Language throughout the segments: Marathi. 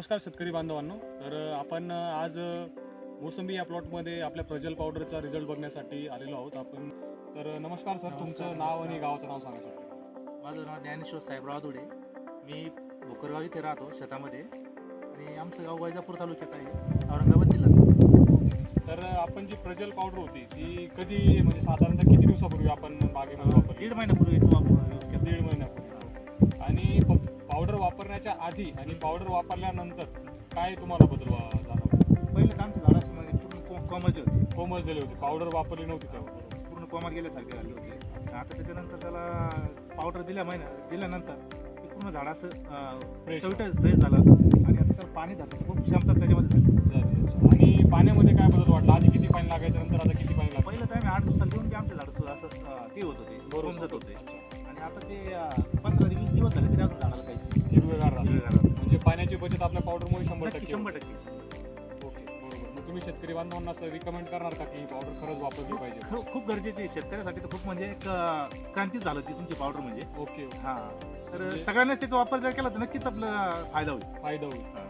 नमस्कार शेतकरी बांधवांनो. तर आपण आज मोसंबी या प्लॉटमध्ये आपल्या प्रजल पावडरचा रिझल्ट बघण्यासाठी आलेलो आहोत आपण. तर नमस्कार सर, तुमचं नाव आणि गावाचं नाव सांगा सर. माझं नाव ज्ञानेश्वर साहेबराव धुडे. मी भोकरगाव इथे राहतो शेतामध्ये आणि आमचं गाव वैजापूर तालुक्यात आहे, औरंगाबाद जिल्हा. तर आपण जी प्रजल पावडर होती ती कधी म्हणजे साधारणतः किती दिवसापूर्वी आपण बागेमध्ये वापरली? 1.5 महिन्यापूर्वीच यूज केलं. 1.5 महिन्यापूर्वी. आणि पावडर वापरण्याच्या आधी आणि पावडर वापरल्यानंतर काय तुम्हाला बदल जाणवला? पहिलं तर आमच्या झाडामध्ये पूर्ण कोमजले होते, कोमजलेली होती, पावडर वापरली नव्हती तेव्हा. पूर्ण कोमात गेल्यासारखे झाले होते. आता त्याच्यानंतर त्याला पावडर दिल्यानंतर ते पूर्ण झाड असं फ्रेश झालं आणि आता त्याला पाणी धरण्याची खूप क्षमता त्याच्यामध्ये झाली. आणि पाण्यामध्ये काय बदल वाटला? आधी किती पाणी लागायचं, नंतर आता किती पाणी लागतं? पहिलं तर आम्ही 8 दिवसाला देऊन की आमच्या झाड सुद्धा असं ते होत होते, कोमजत होते. आणि आता ते 15-20 दिवस झाले तरी अजून झाडाला काही हिरवेगार राहतं. हिरवेगार. म्हणजे पाण्याची बचत आपल्या पावडरमुळे 100% 100%. ओके, बरोबर. मग तुम्ही शेतकरी बांधवांना असं रिकमेंड करणार का की पावडर खरंच वापरली पाहिजे? खूप गरजेची आहे शेतकऱ्यासाठी. तर खूप म्हणजे एक क्रांतीच झालं ती तुमची पावडर म्हणजे. ओके, हा तर म्हणजे- सगळ्यांनाच त्याचा वापर जर केला तर नक्कीच आपला फायदा होईल. फायदा होईल.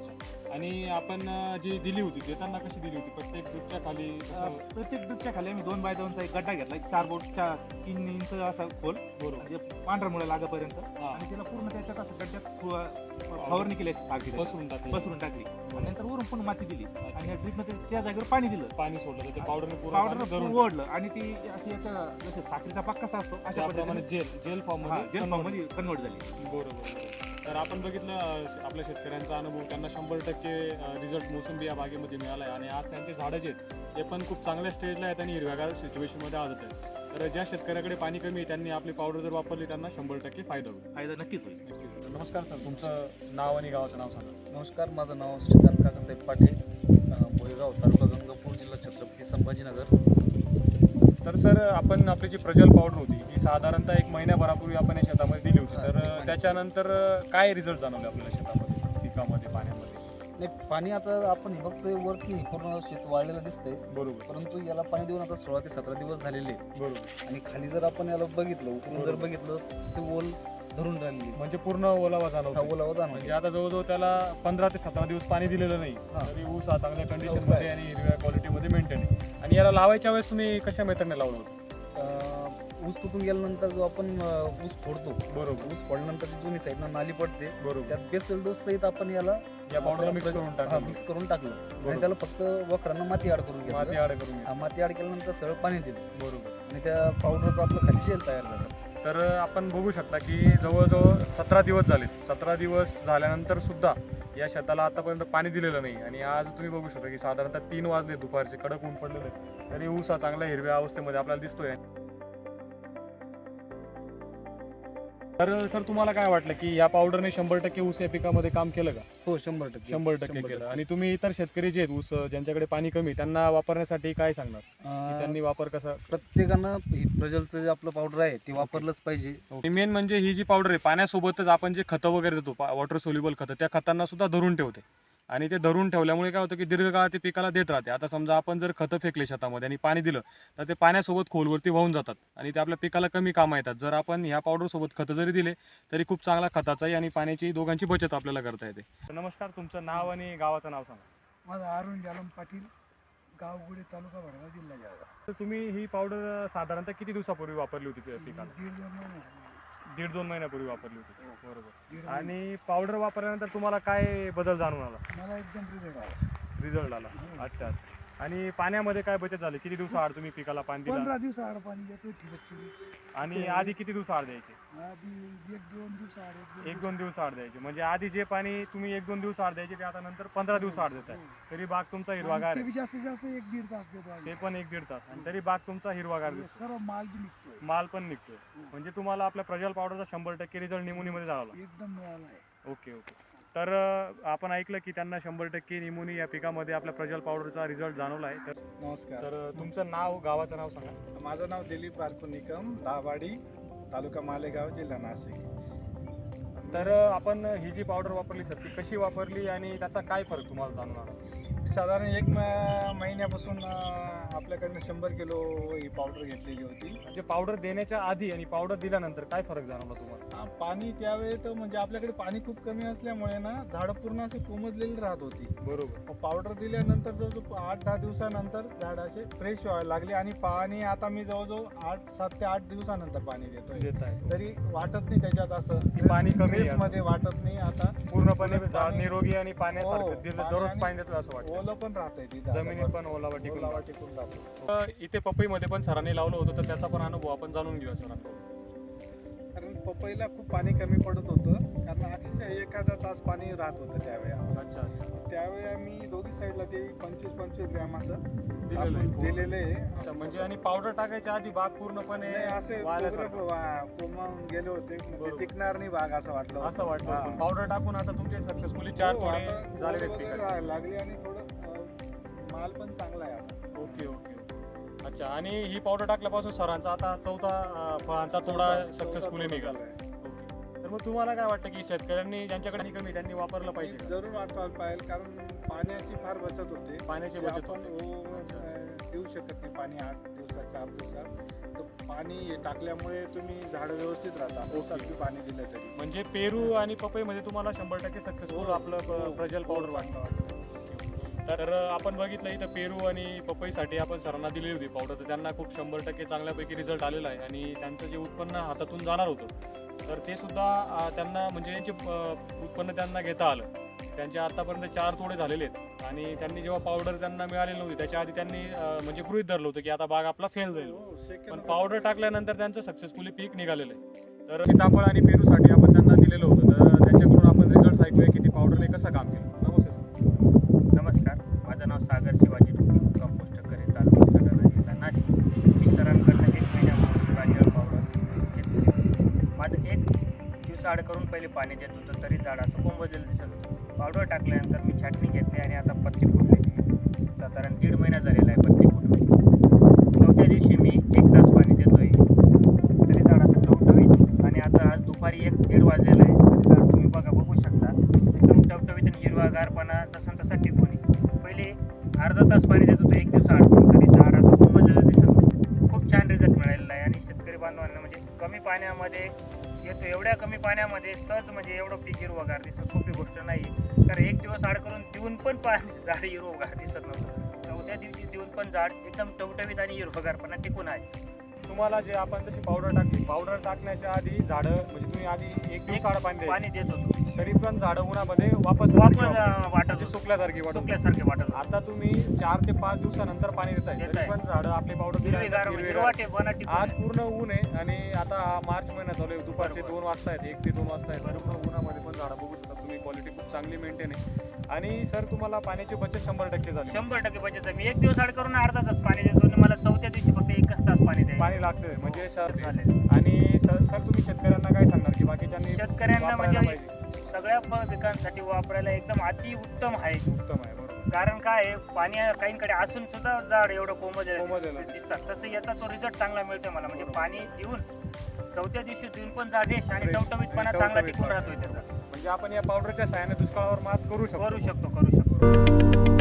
आणि आपण जी दिली होती देताना कशी दिली होती? प्रत्येक ड्रिपच्या खाली प्रत्येक ड्रिपच्या खाली आम्ही 2x2चा एक गड्डा घेतला, 4 बोटच्या 3 इंच असा खोल, बरोबर. म्हणजे पांढरा मुळे लागेपर्यंत. हा. आणि त्याला पूर्ण त्याच्यात असं गड्ड्यात फवारणी केली अशी सारखी पसरून टाकली. पसरून टाकली. आणि नंतर वरून पण माती दिली आणि ड्रिपमध्ये त्या जागेवर पाणी दिलं. पाणी सोडलं तर ते पावडरने पावडर ओढलं आणि ती अशी याचा जसं साखरेचा पाक कसा असतो अशा प्रमाणे जेल फॉर्म मध्ये कन्वर्ट झाली. बरोबर. तर आपण बघितलं आपल्या शेतकऱ्यांचा अनुभव, त्यांना 100% रिझल्ट मोसंबी या बागेमध्ये मिळाला आहे. आणि आज त्यांचे झाडं जे आहेत ते पण खूप चांगल्या स्टेजला आहेत आणि हिरव्यागार सिच्युएशनमध्ये आजत आहेत. तर ज्या शेतकऱ्याकडे पाणी कमी आहे त्यांनी आपली पावडर जर वापरली त्यांना 100% फायदा होईल. फायदा नक्कीच होईल. नमस्कार सर, तुमचं नाव आणि गावाचं नाव सांगा. नमस्कार, माझं नाव श्रीकांत काकासाहेब पाटे, भोयगाव, तालुका गंगापूर, जिल्हा छत्रपती संभाजीनगर. तर सर, आपण आपली जी प्रजल पावडर होती ही साधारणतः 1 महिन्याभरापूर्वी आपण या शेतामध्ये दिली होती. तर त्याच्यानंतर काय रिझल्ट जाणवले आपल्याला शेतामध्ये, पिकामध्ये, पाण्यामध्ये? नाही, पाणी आता आपण हे बघतोय वरती पूर्ण शेत वाळलेलं दिसतंय, बरोबर. परंतु याला पाणी देऊन आता 16 ते 17 दिवस झालेले आहेत. बरोबर. आणि खाली जर आपण याला बघितलं, उकरून जर बघितलं, ते ओल धरून राहिलेली, म्हणजे पूर्ण ओलावा जाणवतो. ओलावा जाणवतो. म्हणजे आता जवळजवळ त्याला 15 ते 17 दिवस पाणी दिलेलं नाही, तरी ऊस हा चांगल्या कंडिशनमध्ये आणि हिरव्या क्वालिटीमध्ये मेंटेन आहे. आणि याला लावायच्या वेळेस तुम्ही कशा मेथडने लावलं होतं? ऊस तुटून गेल्यानंतर जो आपण ऊस फोडतो, बरोबर. ऊस फोडल्यानंतर ती दोन्ही साईडनं नाली पडते, बरोबर. त्यात बेसल डोस सहित आपण याला या पावडरला मिक्स करून टाकलं. मिक्स करून टाकलं. आणि त्याला फक्त वखरांना माती ऍड करून माती घेतलं. ऍड करून माती ऍड केल्यानंतर सरळ पाणी दिलं. बरोबर. आणि त्या पावडरचं आपलं खाली जेल तयार झालं. तर आपण बघू शकता की जवळजवळ 17 दिवस झालेत. 17 दिवस झाल्यानंतर सुद्धा या शेताला आतापर्यंत पाणी दिलेलं नाही. आणि आज तुम्ही बघू शकता की साधारणतः 3 वाजले दुपारचे, कडक ऊन पडलेले, तरी ऊस हा चांगल्या हिरव्या अवस्थेमध्ये आपल्याला दिसतोय. तर सर, तुम्हाला काय वाटलं की या पावडरने 100% ऊस या पिकामध्ये काम केलं का? हो, 100%. 100% केलं. आणि तुम्ही इतर शेतकरी जे आहेत ऊस ज्यांच्याकडे पाणी कमी, त्यांना वापरण्यासाठी काय सांगणार की त्यांनी वापर कसा? प्रत्येकानं प्रजलचं जे आपलं पावडर आहे ते वापरलंच पाहिजे. मेन म्हणजे ही जी पावडर आहे पाण्यासोबतच आपण जे खतं वगैरे देतो, वॉटर सोल्युबल खतं, त्या खतांना सुद्धा धरून ठेवते. आणि ते धरून ठेवल्यामुळे काय होतं की दीर्घकाळ ते पिकाला देत राहते. आता समजा आपण जर खतं फेकले शेतामध्ये आणि पाणी दिलं तर ते पाण्यासोबत खोलवरती वाहून जातात आणि ते आपल्या पिकाला कमी कामं येतात. जर आपण ह्या पावडरसोबत खतं जरी दिले तरी खूप चांगला खताचाही आणि पाण्याची दोघांची बचत आपल्याला करता येते. नमस्कार, तुमचं नाव आणि गावाचं नाव सांगा. माझं अरुण जालम पाटील, गाव गुढे, तालुका भडगाव, जिल्हा जळगाव. तर तुम्ही ही पावडर साधारणतः किती दिवसापूर्वी वापरली होती पिकाला? 1.5-2 महिने झाले. 1.5-2 महिन्यापूर्वी वापरली होती. बरोबर. 1.5 आणि पावडर वापरल्यानंतर तुम्हाला काय बदल जाणून आला? मला एकदम रिझल्ट आला. रिझल्ट आला. अच्छा. आणि पाण्यामध्ये काय बचत झाली? किती दिवसाआड तुम्ही पिकाला पाणी दिलं? 15 दिवसाआड पाणी देतो ठिबक सगळी. आणि आधी किती दिवसाआड द्यायचे? आधी 1-2 दिवसाआड 1-2 दिवसाआड द्यायचे. म्हणजे आधी जे पाणी तुम्ही 1-2 दिवसाआड द्यायचे ते आता नंतर 15 दिवसाआड देत आहे. तरी बाग तुमचा हिरवागार ते आहे. बी जास्तीत जास्त 1-1.5 तास देतो आम्ही. ते पण 1-1.5 तास. आणि तरी बाग तुमचा हिरवागार दिसतो. सर्व माल बी निघतोय. माल पण निघतोय. म्हणजे तुम्हाला आपल्या प्रजल पावडरचा 100% रिझल्ट निमोनीमध्ये झाला. एकदम मिळाला आहे. ओके. तर आपण ऐकलं की त्यांना 100% निमोनी या पिकामध्ये आपल्या प्रजल पावडरचा रिझल्ट जाणवला आहे. तर नमस्कार. तर तुमचं नाव, गावाचं नाव सांगा. माझं नाव दिलीप बालकू निकम, दाभाडी, तालुका मालेगाव, जिल्हा नाशिक. तर आपण ही जी पावडर वापरली सर ती कशी वापरली आणि त्याचा काय फरक तुम्हाला जाणून आला? साधारण एक महिन्यापासून आपल्याकडनं 100 किलो ही पावडर घेतलेली होती. म्हणजे पावडर देण्याच्या आधी आणि पावडर दिल्यानंतर काय फरक जाणवला तुम्हाला? पाणी त्यावेळी तर म्हणजे आपल्याकडे पाणी खूप कमी असल्यामुळे ना झाडं पूर्ण असे कोमजलेली राहत होती. बरोबर. पावडर दिल्यानंतर जवळजवळ 8-10 दिवसानंतर झाड असे फ्रेश व्हायला लागले आणि पाणी आता मी जवळजवळ 7 ते 8 दिवसानंतर पाणी देतोय. देत आहे तरी वाटत नाही त्याच्यात असं की पाणी कमी आहे असं. मध्ये वाटत नाही. आता पूर्णपणे झाड पाणी- निरोगी आणि हो, पाण्यासारखं दररोज आणि पाणी देतलं असं वाटतं. ओलं पण राहतंय तिथं. जमिनीत पण ओलावा टिकून ओलावा राहतो. टिकून राहतो. इथे पपईमध्ये पण सरांनी लावलं होतं तर त्याचा पण अनुभव आपण जाणून घेऊया सरांकडून. कारण पपईला खूप पाणी कमी पडत होतं, कारण अक्षरशः एखादा तास पाणी राहत होतं त्यावेळी. अच्छा अच्छा. त्यावेळी आम्ही दोघी साईडला ते 25-25 ग्रॅम असं दिलेलं आहे. दिलेलं अच्छा, आहे. म्हणजे आणि पावडर टाकायच्या आधी बाग पूर्णपणे नाही, असे वाळल्यासारखं. कोमून गेले होते, मग बरोबर. ते टिकणार नाही बाग असं वाटलं होतं. असं वाटतं. हा. पण पावडर टाकून आता तुमचे सक्सेसफुली 4 हो, तोडे आता झालेले रोड आहेत वगैरे पिकाचे. लागली आणि थोडं माल पण चांगला आहे आता. Okay okay. अच्छा, आणि ही पावडर टाकल्यापासून सरांचा आता चौथा फळांचा तोडा सक्सेसफुली निघाला. आहे. ओके. तर मग तुम्हाला काय वाटतं की शेतकऱ्यांनी ज्यांच्याकडे आणि कमी त्यांनी वापरलं पाहिजे का? जरूर वापरायला पाहिजे, कारण पाण्याची फार बचत होते. पाण्याची जे बचत आपण होते. देऊ शकत नाही पाणी 8 दिवसात 4 दिवसात. तर पाणी टाकल्यामुळे तुम्ही झाडं व्यवस्थित राहतात. ओके. दिवसात पाणी दिलं तरी. म्हणजे पेरू आणि पपईमध्ये तुम्हाला 100% सक्सेसफुल आपलं प्रजल पावडर वाटतं. तर आपण बघितलं इथं पेरू आणि पपईसाठी आपण सरांना दिलेली होती पावडर, तर त्यांना खूप 100% चांगल्यापैकी रिझल्ट आलेला आहे आणि त्यांचं जे उत्पन्न हातातून जाणार होतं तर ते सुद्धा त्यांना म्हणजे यांचे उत्पन्न त्यांना घेता आलं. त्यांचे आतापर्यंत 4 तोडे झालेले आहेत आणि त्यांनी जेव्हा पावडर त्यांना मिळालेली नव्हती त्याच्या आधी त्यांनी म्हणजे गृहीत धरलं होतं की आता बाग आपला फेल जाईल. पण पावडर टाकल्यानंतर त्यांचं सक्सेसफुली पीक निघालेलं आहे. तर सीताफळ आणि पेरूसाठी आपण त्यांना दिलेलं होतं, तर त्यांच्याकडून आपण रिझल्ट ऐकूया की ती पावडरने कसं काम केलं. नमस्ते सर. नमस्कार, माझं नाव सागर शिवाजी डोके, कंपोस्ट करे, तालुका सटाणा, जिल्हा नाशिक. मी सरांकडनं 1 महिन्यापूर्वी प्राजळ पावडर घेतली. माझं 1 दिवसाआड करून पहिले पाणी देत होतं तरी झाड असं कोंबजलेलं दिसत होतं. पावडर टाकल्यानंतर मी छाटणी घेतली आणि आता पत्ती फुटली. साधारण 1.5 महिना झालेला आहे पत्ती फुटून. 4थ्या दिवशी मी 1 तास पाणी देतोय तरी झाड असं टवटवीत. आणि आता आज दुपारी 1-1:30 वाजलेला आहे. झाड तुम्ही बघू शकता एकदम टवटवीत आणि हिरवागारपणा जसं तसा टिकून आहे. पहिले अर्धा तास पाणी देत होतं 1 दिवस अडकून तरी झाड असं कोंबजलेलं दिसत होतं. खूप छान रिझल्ट मिळालेला आहे आणि शेतकरी बांधवांना म्हणजे कमी पाण्यामध्ये येतो, एवढ्या कमी पाण्यामध्ये सहज म्हणजे एवढं पीक हिरवगार दिसत सोपी गोष्ट नाही. कारण 1 दिवस आड करून देऊन पण झाड हिरवगार दिसत नव्हतं. 4थ्या दिवशी देऊन पण झाड एकदम टवटवीत आणि हिरवगारपणा टिकून आहे. तुम्हाला जे आपण तशी पावडर टाकली, पावडर टाकण्याच्या आधी झाडं म्हणजे तुम्ही आधी 1 दिवसाआड पाणी देत होतो तरी पण झाडं उन्हामध्ये वापस वाटत म्हणजे सुकल्यासारखी वाटत. सुकल्यासारखे वाटत. आता तुम्ही 4 ते 5 दिवसानंतर पाणी देताय तरी पण झाडं आपली पावडर आज पूर्ण ऊन आहे आणि आता मार्च महिना चालू आहे, दुपारचे 2 वाजता आहेत, 1 ते 2 वाजता आहेत. पूर्ण उन्हामध्ये पण झाडं बघू शकता तुम्ही, क्वालिटी खूप चांगली मेंटेन आहे. आणि सर तुम्हाला पाण्याची बचत 100% झाली. 100% बचत आहे. मी 1 दिवस आड करून अर्धा तास पाणी देतो आणि मला 4थ्या दिवशी फक्त 1 तास पाणी द्यायचं पाणी लागतंय म्हणजे सर. झाले. आणि सर तुम्ही शेतकऱ्यांना काय सांगणार की बाकीच्यांनी शेतकऱ्यांना वापरायला म्हणजे पाहिजे? सगळ्या फळ पिकांसाठी वापरायला एकदम अति उत्तम आहे. उत्तम आहे. बरोबर. कारण काय आहे, पाणी काहींकडे असून सुद्धा झाड एवढं कोंबजलेलं दिसतात, तसं याचा तो रिझल्ट चांगला मिळतो मला. म्हणजे पाणी देऊन 4थ्या दिवशी देऊन पण झाड रेश आणि टवटवीतपणा चांगला टिकून राहतोय त्याचा. म्हणजे आपण या पावडरच्या सहाय्याने दुष्काळावर मात करू शकतो. करू शकतो.